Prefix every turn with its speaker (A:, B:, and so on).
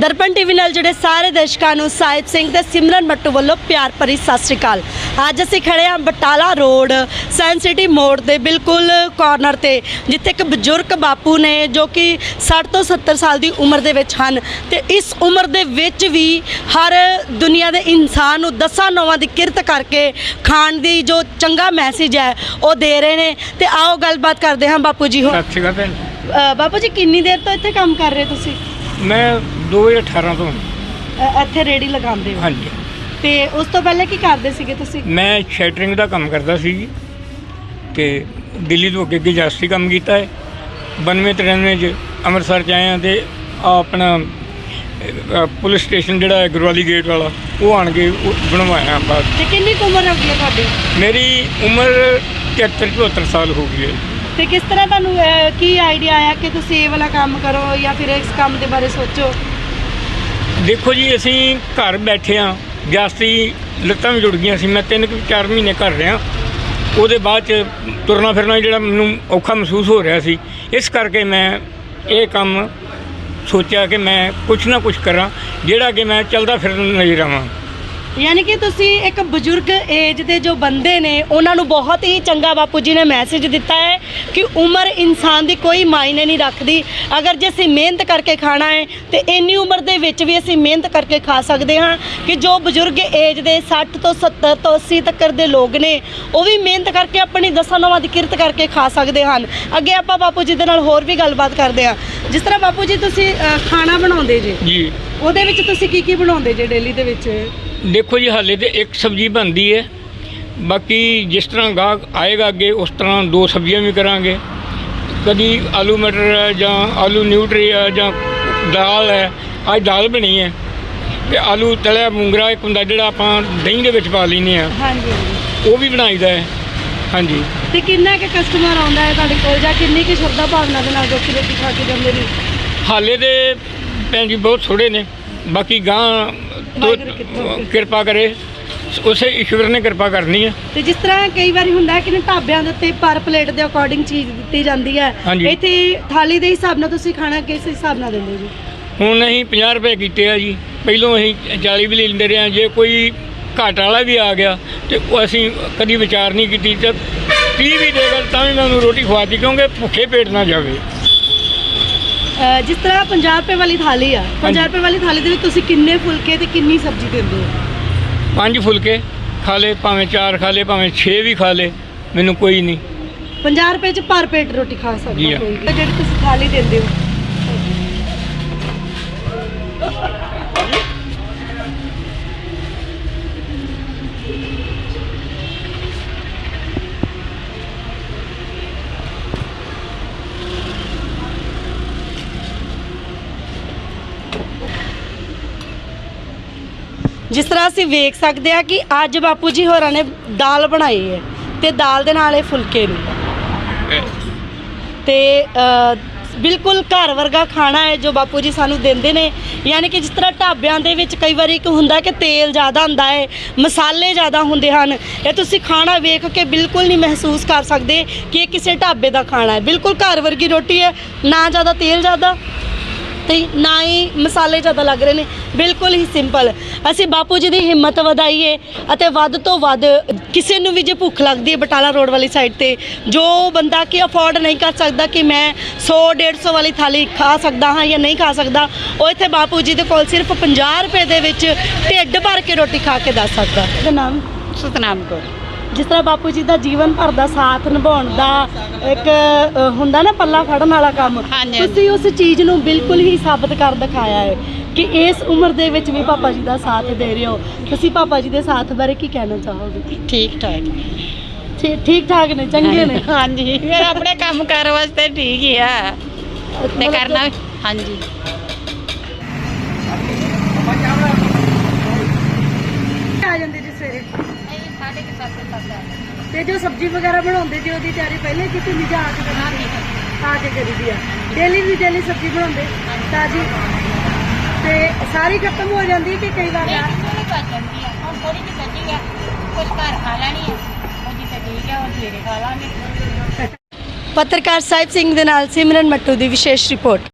A: ਦਰਪਣ TV ਨਾਲ ਜਿਹੜੇ ਸਾਰੇ ਦਰਸ਼ਕਾਂ ਨੂੰ ਸਾਹਿਬ ਸਿੰਘ ਤੇ ਸਿਮਰਨ ਮੱਟੂ ਵੱਲੋਂ ਪਿਆਰ ਭਰੀ ਸਤਿ ਸ਼੍ਰੀ ਅਕਾਲ। ਅੱਜ ਅਸੀਂ ਖੜੇ ਹਾਂ ਬਟਾਲਾ ਰੋਡ ਸਾਇੰਸ ਸਿਟੀ ਮੋੜ ਦੇ ਬਿਲਕੁਲ ਕਾਰਨਰ ਤੇ, ਜਿੱਥੇ ਇੱਕ ਬਜ਼ੁਰਗ ਬਾਪੂ ਨੇ ਜੋ ਕਿ 60 ਤੋਂ 70 ਸਾਲ ਦੀ ਉਮਰ ਦੇ ਵਿੱਚ ਹਨ ਤੇ ਇਸ ਉਮਰ ਦੇ ਵਿੱਚ ਵੀ ਹਰ ਦੁਨੀਆ ਦੇ ਇਨਸਾਨ ਨੂੰ ਦਸਾਂ ਨੌਵਾਂ ਦੀ ਕਿਰਤ ਕਰਕੇ ਖਾਣ ਦੀ ਜੋ ਚੰਗਾ ਮੈਸੇਜ ਹੈ ਉਹ ਦੇ ਰਹੇ ਨੇ। ਤੇ ਆਓ ਗੱਲਬਾਤ ਕਰਦੇ ਹਾਂ ਬਾਪੂ ਜੀ।
B: ਸਤਿ ਸ਼੍ਰੀ ਅਕਾਲ ਭੈਣ।
A: ਬਾਪੂ ਜੀ ਕਿੰਨੀ ਦੇਰ ਤੋਂ ਇੱਥੇ ਕੰਮ ਕਰ ਰਹੇ ਤੁਸੀਂ?
B: ਮੈਂ 2018 ਤੋਂ
A: ਇੱਥੇ ਰੇੜੀ ਲਗਾਉਂਦੇ ਹੋ?
B: ਹਾਂਜੀ।
A: ਤੇ ਉਸ ਤੋਂ ਪਹਿਲੇ ਕੀ ਕਰਦੇ ਸੀਗੇ ਤੁਸੀਂ?
B: ਮੈਂ ਸ਼ੈਟਰਿੰਗ ਦਾ ਕੰਮ ਕਰਦਾ ਸੀ ਜੀ, ਤੇ ਦਿੱਲੀ ਤੋਂ ਅੱਗੇ ਜਾਸਤੀ ਕੰਮ ਕੀਤਾ ਹੈ। 92-93 'ਚ ਅੰਮ੍ਰਿਤਸਰ 'ਚ ਆਏ ਹਾਂ ਤੇ ਆਪਣਾ ਪੁਲਿਸ ਸਟੇਸ਼ਨ ਜਿਹੜਾ ਹੈ ਗੁਰਵਾਲੀ ਗੇਟ ਵਾਲਾ ਉਹ ਆਣ ਕੇ ਬਣਵਾਇਆ ਆਪਾਂ।
A: ਤੇ ਕਿੰਨੀ ਕੁ ਉਮਰ ਹੋ ਗਈ ਹੈ ਤੁਹਾਡੀ?
B: ਮੇਰੀ ਉਮਰ 73-74 ਸਾਲ ਹੋ ਗਈ ਹੈ।
A: ਤੇ ਕਿਸ ਤਰ੍ਹਾਂ ਤੁਹਾਨੂੰ ਕੀ ਆਈਡੀਆ ਆਇਆ ਕਿ ਤੁਸੀਂ ਇਹ ਵਾਲਾ ਕੰਮ ਕਰੋ ਜਾਂ ਫਿਰ ਇਸ ਕੰਮ ਦੇ ਬਾਰੇ ਸੋਚੋ?
B: ਦੇਖੋ ਜੀ, ਅਸੀਂ ਘਰ ਬੈਠੇ ਹਾਂ, ਜਾਸਤੀ ਲੱਤਾਂ ਵੀ ਜੁੜ ਗਈਆਂ ਸੀ। ਮੈਂ 3-4 ਮਹੀਨੇ ਘਰ ਰਿਹਾ, ਉਹਦੇ ਬਾਅਦ 'ਚ ਤੁਰਨਾ ਫਿਰਨਾ ਜਿਹੜਾ ਮੈਨੂੰ ਔਖਾ ਮਹਿਸੂਸ ਹੋ ਰਿਹਾ ਸੀ। ਇਸ ਕਰਕੇ ਮੈਂ ਇਹ ਕੰਮ ਸੋਚਿਆ ਕਿ ਮੈਂ ਕੁਛ ਨਾ ਕੁਛ ਕਰਾਂ ਜਿਹੜਾ ਕਿ ਮੈਂ ਚੱਲਦਾ ਫਿਰਦਾ ਨਜ਼ਰ ਆਵਾਂ।
A: ਯਾਨੀ ਕਿ ਤੁਸੀਂ ਇੱਕ ਬਜ਼ੁਰਗ ਏਜ ਦੇ ਜੋ ਬੰਦੇ ਨੇ ਉਹਨਾਂ ਨੂੰ ਬਹੁਤ ਹੀ ਚੰਗਾ ਬਾਪੂ ਜੀ ਨੇ ਮੈਸੇਜ ਦਿੱਤਾ ਹੈ ਕਿ ਉਮਰ ਇਨਸਾਨ ਦੀ ਕੋਈ ਮਾਇਨੇ ਨਹੀਂ ਰੱਖਦੀ। ਅਗਰ ਜੇ ਅਸੀਂ ਮਿਹਨਤ ਕਰਕੇ ਖਾਣਾ ਹੈ ਤੇ ਇੰਨੀ ਉਮਰ ਦੇ ਵਿੱਚ ਵੀ ਅਸੀਂ ਮਿਹਨਤ ਕਰਕੇ ਖਾ ਸਕਦੇ ਹਾਂ। ਕਿ ਜੋ ਬਜ਼ੁਰਗ ਏਜ ਦੇ 60 ਤੋਂ 70 ਤੋਂ 80 ਤੱਕ ਦੇ ਲੋਕ ਨੇ ਉਹ ਵੀ ਮਿਹਨਤ ਕਰਕੇ ਆਪਣੀ ਦਸਾਂ ਨੌਵਾਂ ਦੀ ਕਿਰਤ ਕਰਕੇ ਖਾ ਸਕਦੇ ਹਨ। ਅੱਗੇ ਆਪਾਂ ਬਾਪੂ ਜੀ ਦੇ ਨਾਲ ਹੋਰ ਵੀ ਗੱਲਬਾਤ ਕਰਦੇ ਹਾਂ। ਜਿਸ ਤਰ੍ਹਾਂ ਬਾਪੂ ਜੀ ਤੁਸੀਂ ਖਾਣਾ ਬਣਾਉਂਦੇ ਜੀ, ਉਹਦੇ ਵਿੱਚ ਤੁਸੀਂ ਕੀ ਬਣਾਉਂਦੇ ਜੇ ਡੇਲੀ ਦੇ ਵਿੱਚ?
B: ਦੇਖੋ ਜੀ, ਹਾਲੇ ਤੇ ਇੱਕ ਸਬਜ਼ੀ ਬਣਦੀ ਹੈ, ਬਾਕੀ ਜਿਸ ਤਰ੍ਹਾਂ ਗਾਹਕ ਆਏਗਾ ਅੱਗੇ ਉਸ ਤਰ੍ਹਾਂ 2 ਸਬਜ਼ੀਆਂ ਵੀ ਕਰਾਂਗੇ। ਕਦੀ ਆਲੂ ਮਟਰ ਹੈ ਜਾਂ ਆਲੂ ਨਿਊਟਰੀ ਹੈ ਜਾਂ ਦਾਲ ਹੈ। ਅੱਜ ਦਾਲ ਬਣੀ ਹੈ ਤੇ ਆਲੂ ਤਲਿਆ ਮੂੰਗਰਾ ਇੱਕ ਹੁੰਦਾ ਜਿਹੜਾ ਆਪਾਂ ਦਹੀਂ ਦੇ ਵਿੱਚ ਪਾ ਲੈਂਦੇ ਹਾਂ।
A: ਹਾਂਜੀ,
B: ਉਹ ਵੀ ਬਣਾਈਦਾ ਹੈ। ਹਾਂਜੀ।
A: ਤੇ ਕਿੰਨਾ ਕਿ ਕਸਟਮਰ ਆਉਂਦਾ ਹੈ ਤੁਹਾਡੇ ਕੋਲ ਜਾਂ ਕਿੰਨੀ ਕਿ ਸ਼ਰਧਾ ਭਾਵਨਾ ਦੇ ਨਾਲ ਰੋਟੀ ਖਾ ਕੇ ਜਾਂਦੇ ਨੇ? ਹਾਲੇ
B: ਦੇ ਭੈਣ ਜੀ ਬਹੁਤ ਥੋੜ੍ਹੇ ਨੇ, ਬਾਕੀ ਗਾਂ ਕਿਰਪਾ ਕਰੇ, ਉਸੇ ਈਸ਼ਵਰ ਨੇ ਕਿਰਪਾ ਕਰਨੀ ਹੈ। ਤੇ
A: ਜਿਸ ਤਰ੍ਹਾਂ ਕਈ ਵਾਰੀ ਹੁੰਦਾ ਕਿ ਢਾਬਿਆਂ ਦੇ ਉੱਤੇ ਪਰ ਪਲੇਟ ਦੇ ਅਕੋਰਡਿੰਗ ਚੀਜ਼ ਦਿੱਤੀ ਜਾਂਦੀ ਹੈ, ਇੱਥੇ ਥਾਲੀ ਦੇ ਹਿਸਾਬ ਨਾਲ ਤੁਸੀਂ ਖਾਣਾ ਕਿਸ ਹਿਸਾਬ ਨਾਲ ਦਿੰਦੇ ਜੀ?
B: ਹੁਣ ਅਸੀਂ 50 ਰੁਪਏ ਕੀਤੇ ਆ ਜੀ, ਪਹਿਲੋਂ ਅਸੀਂ 40 ਵੀ ਲੈਂਦੇ ਰਹੇ ਹਾਂ। ਜੇ ਕੋਈ ਘਾਟ ਵਾਲਾ ਵੀ ਆ ਗਿਆ ਤੇ ਉਹ ਅਸੀਂ ਕਦੀ ਵਿਚਾਰ ਨਹੀਂ ਕੀਤੀ ਤੇ 30 ਵੀ ਦੇਗਾ ਤਾਂ ਵੀ ਮੈਂ ਉਹਨੂੰ ਰੋਟੀ ਖਵਾਤੀ, ਕਿਉਂਕਿ ਭੁੱਖੇ ਪੇਟ ਨਾ ਜਾਵੇ।
A: ਜਿਸ ਤਰ੍ਹਾਂ 50 ਰੁਪਏ ਵਾਲੀ ਥਾਲੀ ਆ, 50 ਰੁਪਏ ਵਾਲੀ ਥਾਲੀ ਦੇ ਵਿੱਚ ਤੁਸੀਂ ਕਿੰਨੇ ਫੁਲਕੇ ਤੇ ਕਿੰਨੀ ਸਬਜ਼ੀ ਦਿੰਦੇ ਹੋ?
B: 5 ਫੁਲਕੇ ਖਾ ਲੇ, ਭਾਵੇਂ 4 ਖਾ ਲੇ, ਭਾਵੇਂ 6 ਵੀ ਖਾ ਲੇ, ਮੈਨੂੰ ਕੋਈ ਨਹੀਂ।
A: 50 ਰੁਪਏ 'ਚ ਭਰ ਪੇਟ ਰੋਟੀ ਖਾ ਸਕਦਾ ਕੋਈ। ਜਿਹੜੀ ਤੁਸੀਂ ਥਾਲੀ ਦਿੰਦੇ ਹੋ, ਜਿਸ ਤਰ੍ਹਾਂ ਅਸੀਂ ਵੇਖ ਸਕਦੇ ਹਾਂ ਕਿ ਅੱਜ ਬਾਪੂ ਜੀ ਹੋਰਾਂ ਨੇ ਦਾਲ ਬਣਾਈ ਹੈ ਤੇ ਦਾਲ ਦੇ ਨਾਲ ਇਹ ਫੁਲਕੇ ਨੇ ਤੇ ਬਿਲਕੁਲ ਘਰ ਵਰਗਾ ਖਾਣਾ ਹੈ ਜੋ ਬਾਪੂ ਜੀ ਸਾਨੂੰ ਦਿੰਦੇ ਨੇ। ਯਾਨੀ ਕਿ ਜਿਸ ਤਰ੍ਹਾਂ ਢਾਬਿਆਂ ਦੇ ਵਿੱਚ ਕਈ ਵਾਰੀ ਇੱਕ ਹੁੰਦਾ ਕਿ ਤੇਲ ਜ਼ਿਆਦਾ ਹੁੰਦਾ ਹੈ, ਮਸਾਲੇ ਜ਼ਿਆਦਾ ਹੁੰਦੇ ਹਨ, ਇਹ ਤੁਸੀਂ ਖਾਣਾ ਵੇਖ ਕੇ ਬਿਲਕੁਲ ਨਹੀਂ ਮਹਿਸੂਸ ਕਰ ਸਕਦੇ ਕਿ ਇਹ ਕਿਸੇ ਢਾਬੇ ਦਾ ਖਾਣਾ ਹੈ। ਬਿਲਕੁਲ ਘਰ ਵਰਗੀ ਰੋਟੀ ਹੈ, ਨਾ ਜ਼ਿਆਦਾ ਤੇਲ ਜ਼ਿਆਦਾ ਤੇ ਨਾ ਹੀ ਮਸਾਲੇ ਜ਼ਿਆਦਾ ਲੱਗ ਰਹੇ ਨੇ, ਬਿਲਕੁਲ ਹੀ ਸਿੰਪਲ। ਅਸੀਂ ਬਾਪੂ ਜੀ ਦੀ ਹਿੰਮਤ ਵਧਾਈਏ ਅਤੇ ਵੱਧ ਤੋਂ ਵੱਧ ਕਿਸੇ ਨੂੰ ਵੀ ਜੇ ਭੁੱਖ ਲੱਗਦੀ ਹੈ ਬਟਾਲਾ ਰੋਡ ਵਾਲੀ ਸਾਈਡ ਤੇ, ਜੋ ਬੰਦਾ ਕਿ ਅਫੋਰਡ ਨਹੀਂ ਕਰ ਸਕਦਾ ਕਿ ਮੈਂ 100-150 ਵਾਲੀ ਥਾਲੀ ਖਾ ਸਕਦਾ ਹਾਂ ਜਾਂ ਨਹੀਂ ਖਾ ਸਕਦਾ, ਉਹ ਇੱਥੇ ਬਾਪੂ ਜੀ ਦੇ ਕੋਲ ਸਿਰਫ 50 ਰੁਪਏ ਦੇ ਵਿੱਚ ਢਿੱਡ ਭਰ ਕੇ ਰੋਟੀ ਖਾ ਕੇ ਦੱਸ ਸਕਦਾ। ਇਹਦਾ ਨਾਮ
C: ਸਤਨਾਮ ਕੌਰ।
A: ਜਿਸ ਤਰ੍ਹਾਂ ਬਾਪੂ ਜੀ ਦਾ ਜੀਵਨ ਭਰ ਦਾ ਸਾਥ ਨਿਭਾਉਣ ਦਾ ਇੱਕ ਹੁੰਦਾ ਨਾ ਪੱਲਾ ਫੜਨ ਵਾਲਾ ਕੰਮ, ਤੁਸੀਂ ਉਸ ਚੀਜ਼ ਨੂੰ ਬਿਲਕੁਲ ਹੀ ਸਾਬਤ ਕਰ ਦਿਖਾਇਆ ਹੈ ਕਿ ਇਸ ਉਮਰ ਦੇ ਵਿੱਚ ਵੀ ਪਾਪਾ ਜੀ ਦਾ ਸਾਥ ਦੇ ਰਹੇ ਹੋ। ਤੁਸੀਂ ਪਾਪਾ ਜੀ ਦੇ ਸਾਥ ਬਾਰੇ ਕੀ ਕਹਿਣਾ ਚਾਹੋਗੇ?
C: ਠੀਕ ਠਾਕ
A: ਨੇ, ਚੰਗੇ ਨੇ।
C: ਹਾਂਜੀ, ਫਿਰ ਆਪਣੇ ਕੰਮ ਕਾਰ ਵਾਸਤੇ ਠੀਕ ਹੀ ਆ ਤੇ ਕਰਨਾ। ਹਾਂਜੀ,
A: ਆ ਜਾਂਦੇ ਜੀ ਸਵੇਰੇ 7:30 ਤੇ ਜੋ ਸਬਜ਼ੀ ਵਗੈਰਾ ਬਣਾਉਂਦੇ ਜੀ ਉਹਦੀ ਤਿਆਰੀ ਪਹਿਲੇ ਕੀਤੀ ਨਹੀਂ ਜਾਂ ਆ ਕੇ ਕਰੀਦੀ ਆ? ਡੇਲੀ ਸਬਜ਼ੀ ਬਣਾਉਂਦੇ ਤਾਜੀ ਤੇ ਸਾਰੀ ਖਤਮ ਹੋ ਜਾਂਦੀ ਕਿ ਕਈ ਵਾਰ
C: ਥੋੜੀ ਜਿਹੀ ਬਚੀ ਆ, ਕੁਝ ਘਰ ਖਾ ਲੈਣੀ ਹੈ, ਉਹਦੀ ਤਾਂ ਠੀਕ ਹੈ, ਉਹ ਸਵੇਰੇ ਖਾ ਲਾਂਗੇ।
A: ਪੱਤਰਕਾਰ ਸਾਹਿਬ ਸਿੰਘ ਦੇ ਨਾਲ ਸਿਮਰਨ ਮੱਟੂ ਦੀ ਵਿਸ਼ੇਸ਼ ਰਿਪੋਰਟ।